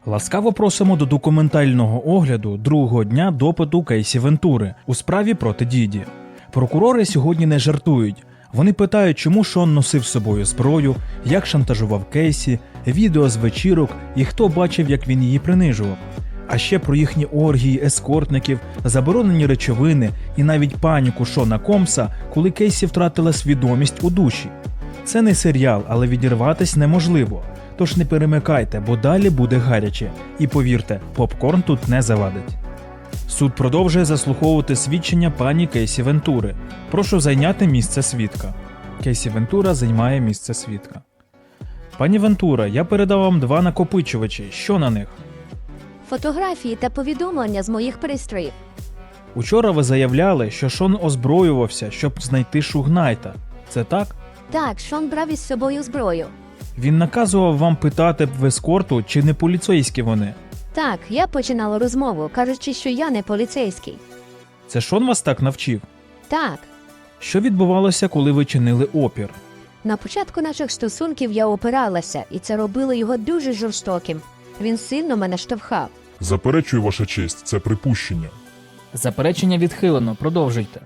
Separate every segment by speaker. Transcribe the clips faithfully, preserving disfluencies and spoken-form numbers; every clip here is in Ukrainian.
Speaker 1: Ласкаво просимо до документального огляду другого дня допиту Кейсі Вентури у справі проти Діді. Прокурори сьогодні не жартують. Вони питають, чому Шон носив з собою зброю, як шантажував Кейсі, відео з вечірок і хто бачив, як він її принижував. А ще про їхні оргії, ескортників, заборонені речовини і навіть паніку Шона Комса, коли Кейсі втратила свідомість у душі. Це не серіал, але відірватись неможливо. Тож не перемикайте, бо далі буде гаряче. І повірте, попкорн тут не завадить. Суд продовжує заслуховувати свідчення пані Кейсі Вентури. Прошу зайняти місце свідка. Кейсі Вентура займає місце свідка. Пані Вентура, я передав вам два накопичувачі. Що на них?
Speaker 2: Фотографії та повідомлення з моїх пристроїв.
Speaker 1: Учора ви заявляли, що Шон озброювався, щоб знайти Шугнайта. Це так?
Speaker 2: Так, Шон брав із собою зброю.
Speaker 1: Він наказував вам питати в ескорту, чи не поліцейські вони.
Speaker 2: Так, я починала розмову, кажучи, що я не поліцейський.
Speaker 1: Це Шон вас так навчив?
Speaker 2: Так,
Speaker 1: Що відбувалося, коли ви чинили опір?
Speaker 2: на початку наших стосунків я опиралася, і це робило його дуже жорстоким. Він сильно мене штовхав.
Speaker 3: Заперечую, ваша честь, це припущення.
Speaker 4: Заперечення відхилено, продовжуйте.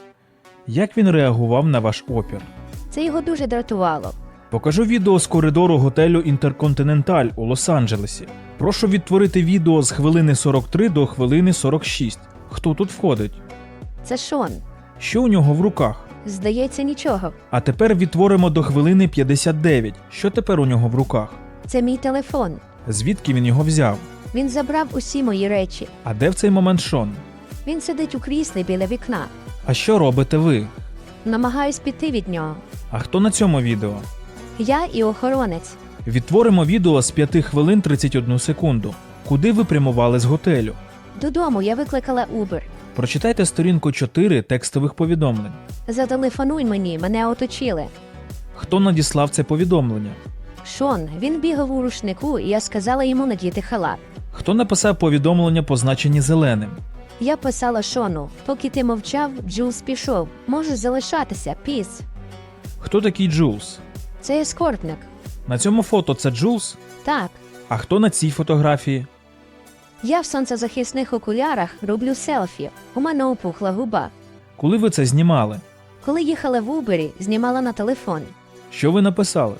Speaker 1: Як він реагував на ваш опір?
Speaker 2: Це його дуже дратувало.
Speaker 1: Покажу відео з коридору готелю Інтерконтиненталь у Лос-Анджелесі. Прошу відтворити відео з хвилини сорок три до хвилини сорок шість. Хто тут входить?
Speaker 2: Це Шон.
Speaker 1: Що у нього в руках?
Speaker 2: Здається, нічого.
Speaker 1: А тепер відтворимо до хвилини п'ятдесят дев'ять. Що тепер у нього в руках?
Speaker 2: Це мій телефон.
Speaker 1: Звідки він його взяв?
Speaker 2: Він забрав усі мої речі.
Speaker 1: А де в цей момент Шон?
Speaker 2: Він сидить у кріслі біля вікна.
Speaker 1: А що робите ви?
Speaker 2: Намагаюсь піти від нього.
Speaker 1: А хто на цьому відео?
Speaker 2: Я і охоронець.
Speaker 1: Відтворимо відео з п'яти хвилин тридцять одну секунду. Куди ви прямували з готелю?
Speaker 2: Додому я викликала Uber.
Speaker 1: Прочитайте сторінку чотири текстових повідомлень.
Speaker 2: Зателефонуй мені, мене оточили.
Speaker 1: Хто надіслав це повідомлення?
Speaker 2: Шон, він бігав у рушнику, і я сказала йому надіти халат.
Speaker 1: Хто написав повідомлення, позначені зеленим?
Speaker 2: Я писала Шону, поки ти мовчав, Джулс пішов. Можеш залишатися, піс.
Speaker 1: Хто такий Джулс?
Speaker 2: Це ескортник.
Speaker 1: На цьому фото це Джулс?
Speaker 2: Так.
Speaker 1: А хто на цій фотографії?
Speaker 2: Я в сонцезахисних окулярах роблю селфі. У мене опухла губа.
Speaker 1: Коли ви це знімали?
Speaker 2: Коли їхала в Убері, знімала на телефон.
Speaker 1: Що ви написали?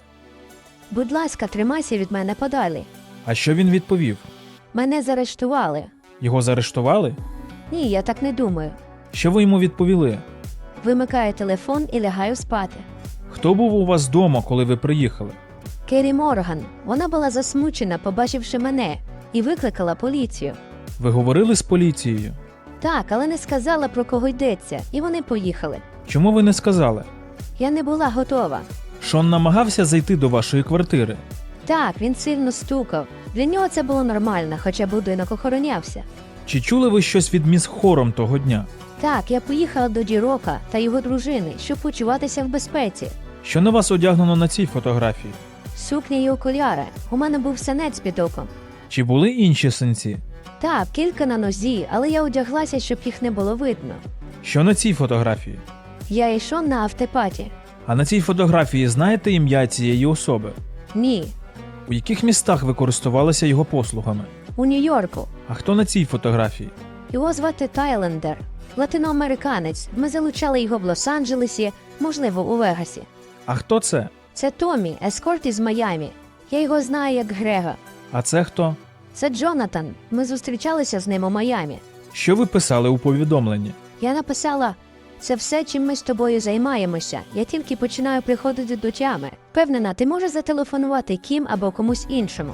Speaker 2: Будь ласка, тримайся від мене подалі.
Speaker 1: А що він відповів?
Speaker 2: Мене заарештували.
Speaker 1: Його заарештували?
Speaker 2: Ні, я так не думаю.
Speaker 1: Що ви йому відповіли?
Speaker 2: Вимикаю телефон і лягаю спати.
Speaker 1: Хто був у вас вдома, коли ви приїхали?
Speaker 2: Керрі Морган. Вона була засмучена, побачивши мене, і викликала поліцію.
Speaker 1: Ви говорили з поліцією?
Speaker 2: Так, але не сказала, про кого йдеться, і вони поїхали.
Speaker 1: Чому ви не сказали?
Speaker 2: Я не була готова.
Speaker 1: Шон намагався зайти до вашої квартири.
Speaker 2: Так, він сильно стукав. Для нього це було нормально, хоча будинок охоронявся.
Speaker 1: Чи чули ви щось від міс Хором того дня?
Speaker 2: Так, я поїхала до Ді-Рока та його дружини, щоб почуватися в безпеці.
Speaker 1: Що на вас одягнено на цій фотографії?
Speaker 2: Сукня і окуляри. У мене був синець під оком.
Speaker 1: Чи були інші синці?
Speaker 2: Так, кілька на нозі, але я одяглася, щоб їх не було видно.
Speaker 1: Що на цій фотографії?
Speaker 2: Я йшов на автопаті.
Speaker 1: А на цій фотографії знаєте ім'я цієї особи?
Speaker 2: Ні,
Speaker 1: У яких містах ви користувалися його послугами?
Speaker 2: у Нью-Йорку.
Speaker 1: А хто на цій фотографії?
Speaker 2: Його звати Тайлендер. Латиноамериканець. Ми залучали його в Лос-Анджелесі, можливо, у Вегасі.
Speaker 1: А хто це?
Speaker 2: Це Томі, ескорт із Майамі. Я його знаю як Грега.
Speaker 1: А це хто?
Speaker 2: Це Джонатан. Ми зустрічалися з ним у Майамі.
Speaker 1: Що ви писали у повідомленні?
Speaker 2: Я написала: це все, чим ми з тобою займаємося. Я тільки починаю приходити до тями. Впевнена, ти можеш зателефонувати Кім або комусь іншому.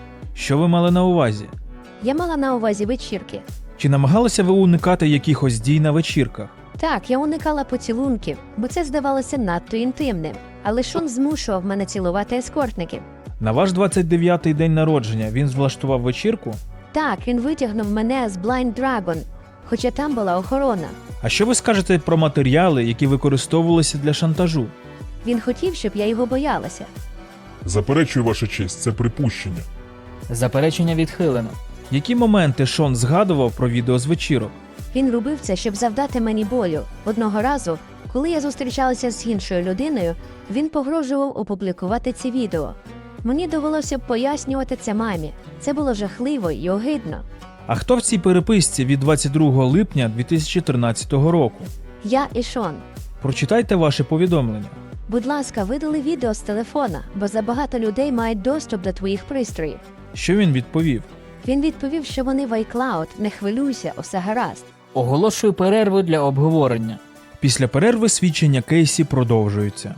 Speaker 1: Що ви мали на увазі?
Speaker 2: Я мала на увазі вечірки.
Speaker 1: Чи намагалися ви уникати якихось дій на вечірках?
Speaker 2: Так, я уникала поцілунків, бо це здавалося надто інтимним. Але Шон змушував мене цілувати ескортників.
Speaker 1: На ваш двадцять дев'ятий день народження він влаштував вечірку?
Speaker 2: Так, він витягнув мене з Blind Dragon, хоча там була охорона.
Speaker 1: А що ви скажете про матеріали, які використовувалися для шантажу?
Speaker 2: Він хотів, щоб я його боялася.
Speaker 3: Заперечую, ваша честь, це припущення.
Speaker 4: Заперечення відхилено.
Speaker 1: Які моменти Шон згадував про відео з вечірок?
Speaker 2: Він робив це, щоб завдати мені болю. Одного разу, коли я зустрічалася з іншою людиною, він погрожував опублікувати ці відео. Мені довелося б пояснювати це мамі. Це було жахливо і огидно.
Speaker 1: А хто в цій переписці від двадцять другого липня дві тисячі тринадцятого року?
Speaker 2: Я і Шон.
Speaker 1: Прочитайте ваше повідомлення.
Speaker 2: Будь ласка, видали відео з телефона, бо забагато людей мають доступ до твоїх пристроїв.
Speaker 1: Що він відповів?
Speaker 2: Він відповів, що вони в iCloud, не хвилюйся, усе гаразд.
Speaker 4: Оголошую перерву для обговорення.
Speaker 1: Після перерви свідчення Кейсі продовжуються.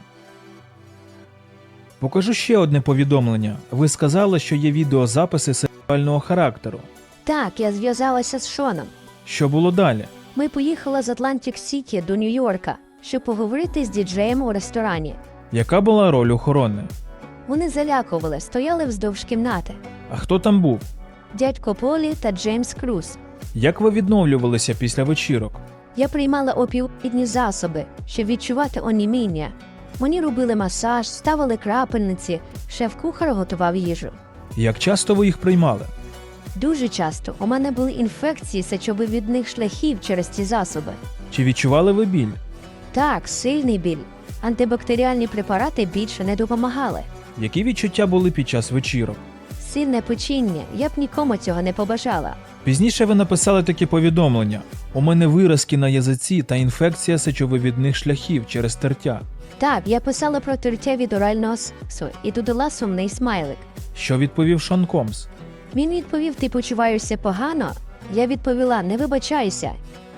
Speaker 1: Покажу ще одне повідомлення. Ви сказали, що є відеозаписи сексуального характеру.
Speaker 2: Так, я зв'язалася з Шоном.
Speaker 1: Що було далі?
Speaker 2: Ми поїхали з Атлантик-Сіті до Нью-Йорка, щоб поговорити з діджеєм у ресторані.
Speaker 1: Яка була роль охорони?
Speaker 2: Вони залякували, стояли вздовж кімнати.
Speaker 1: А хто там був?
Speaker 2: Дядько Полі та Джеймс Круз.
Speaker 1: Як ви відновлювалися після вечірок?
Speaker 2: Я приймала опіоїдні засоби, щоб відчувати оніміння. Мені робили масаж, ставили крапельниці, шеф-кухар готував їжу.
Speaker 1: Як часто ви їх приймали?
Speaker 2: Дуже часто у мене були інфекції сечовивідних шляхів через ці засоби.
Speaker 1: Чи відчували ви біль?
Speaker 2: Так, сильний біль. Антибактеріальні препарати більше не допомагали.
Speaker 1: Які відчуття були під час вечірок?
Speaker 2: Сильне печіння, я б нікому цього не побажала.
Speaker 1: Пізніше ви написали такі повідомлення. У мене виразки на язиці та інфекція сечовивідних шляхів через тертя.
Speaker 2: Так, я писала про тертя від орального сексу і додала сумний смайлик.
Speaker 1: Що відповів Шон Комс?
Speaker 2: Він відповів, ти почуваєшся погано? Я відповіла, не вибачайся.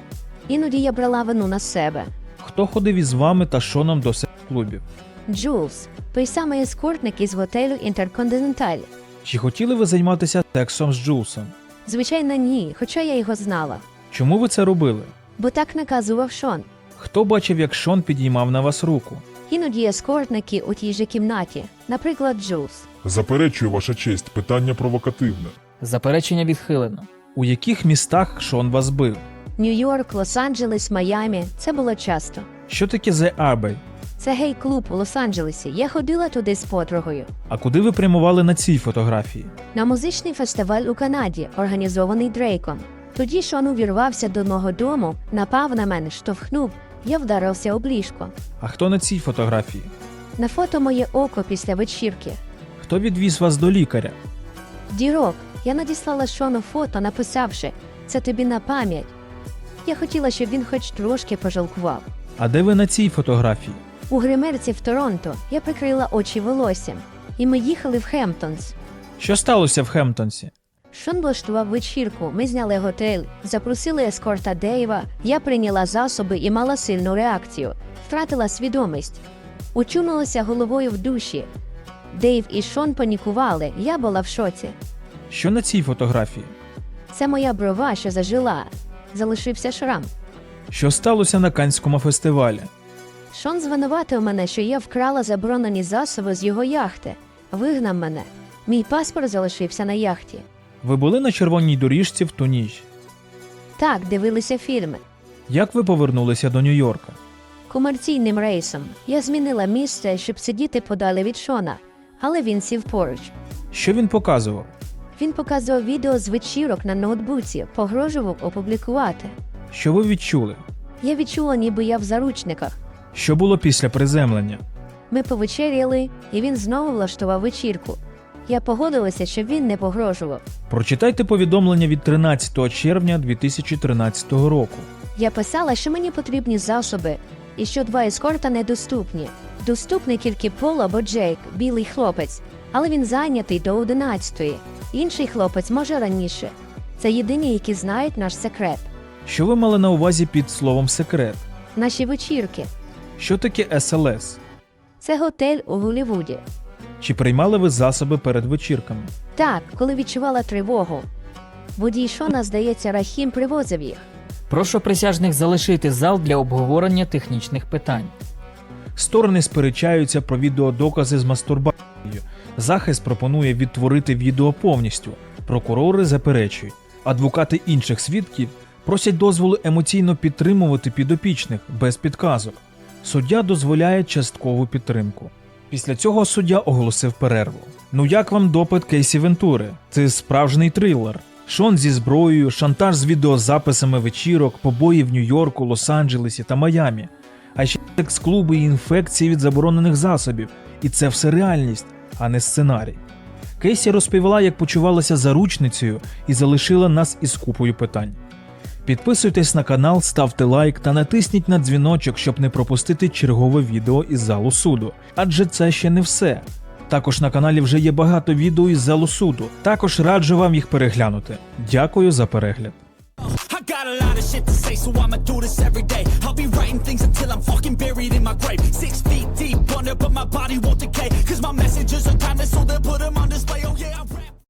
Speaker 2: Іноді я брала вину на себе.
Speaker 1: Хто ходив із вами та Шоном до секс-клубів?
Speaker 2: Джулс, той самий ескортник із готелю Інтерконтиненталь.
Speaker 1: Чи хотіли ви займатися сексом з Джулсом?
Speaker 2: Звичайно, ні, хоча я його знала.
Speaker 1: Чому ви це робили?
Speaker 2: Бо так наказував Шон.
Speaker 1: Хто бачив, як Шон підіймав на вас руку?
Speaker 2: Іноді ескортники у тій же кімнаті, наприклад, Джулс.
Speaker 3: Заперечую, ваша честь, питання провокативне.
Speaker 4: Заперечення відхилено.
Speaker 1: У яких містах Шон вас бив?
Speaker 2: Нью-Йорк, Лос-Анджелес, Майамі – це було часто.
Speaker 1: Що таке The Abbey?
Speaker 2: Це гей-клуб у Лос-Анджелесі. Я ходила туди з подругою.
Speaker 1: А куди ви прямували на цій фотографії?
Speaker 2: На музичний фестиваль у Канаді, організований Дрейком. Тоді Шон увірвався до мого дому, напав на мене, штовхнув, я вдарився об ліжко.
Speaker 1: А хто на цій фотографії?
Speaker 2: На фото моє око після вечірки.
Speaker 1: Хто відвіз вас до лікаря?
Speaker 2: Дірок, я надіслала Шону фото, написавши «Це тобі на пам'ять». Я хотіла, щоб він хоч трошки пожалкував.
Speaker 1: А де ви на цій фотографії?
Speaker 2: У гримерці в Торонто я прикрила очі волоссям, і ми їхали в Хемптонс.
Speaker 1: Що сталося в Хемптонсі?
Speaker 2: Шон влаштував вечірку, ми зняли готель, запросили ескорта Дейва, я прийняла засоби і мала сильну реакцію, втратила свідомість. Очунулася головою в душі. Дейв і Шон панікували, я була в шоці.
Speaker 1: Що на цій фотографії?
Speaker 2: Це моя брова, що зажила. Залишився шрам.
Speaker 1: Що сталося на Каннському фестивалі?
Speaker 2: Шон звинуватив мене, що я вкрала заборонені засоби з його яхти. Вигнав мене. Мій паспорт залишився на яхті.
Speaker 1: Ви були на червоній доріжці в ту ніч?
Speaker 2: Так, дивилися фільми.
Speaker 1: Як ви повернулися до Нью-Йорка?
Speaker 2: Комерційним рейсом. Я змінила місце, щоб сидіти подалі від Шона, але він сів поруч.
Speaker 1: Що він показував?
Speaker 2: Він показував відео з вечірок на ноутбуці, погрожував опублікувати.
Speaker 1: Що ви відчули?
Speaker 2: Я відчула, ніби я в заручниках.
Speaker 1: Що було після приземлення?
Speaker 2: Ми повечеряли, і він знову влаштував вечірку. Я погодилася, щоб він не погрожував.
Speaker 1: Прочитайте повідомлення від тринадцятого червня дві тисячі тринадцятого року.
Speaker 2: Я писала, що мені потрібні засоби, і що два ескорта недоступні. Доступний тільки Пол або Джейк, білий хлопець, але він зайнятий до одинадцятої. Інший хлопець може раніше. Це єдині, які знають наш секрет.
Speaker 1: Що ви мали на увазі під словом «секрет»?
Speaker 2: Наші вечірки.
Speaker 1: Що таке ес ел ес?
Speaker 2: Це готель у Голлівуді.
Speaker 1: Чи приймали ви засоби перед вечірками?
Speaker 2: Так, коли відчувала тривогу. Водій Шона, здається, Рахім привозив їх.
Speaker 4: Прошу присяжних залишити зал для обговорення технічних питань.
Speaker 1: Сторони сперечаються про відеодокази з мастурбацією. Захист пропонує відтворити відео повністю. Прокурори заперечують. Адвокати інших свідків просять дозволу емоційно підтримувати підопічних без підказок. Суддя дозволяє часткову підтримку. Після цього суддя оголосив перерву. Ну як вам допит Кейсі Вентури? Це справжній трилер. Шон зі зброєю, шантаж з відеозаписами вечірок, побої в Нью-Йорку, Лос-Анджелесі та Майамі. А ще секс-клуби і інфекції від заборонених засобів. І це все реальність. а не сценарій. Кейсі розповіла, як почувалася заручницею і залишила нас із купою питань. Підписуйтесь на канал, ставте лайк та натисніть на дзвіночок, щоб не пропустити чергове відео із залу суду. Адже це ще не все. Також на каналі вже є багато відео із залу суду. Також раджу вам їх переглянути. Дякую за перегляд.
Speaker 5: I got a lot of shit to say, so I'ma do this every day. I'll be writing things until I'm fucking buried in my grave. Six feet deep under, but my body won't decay. Cause my messages are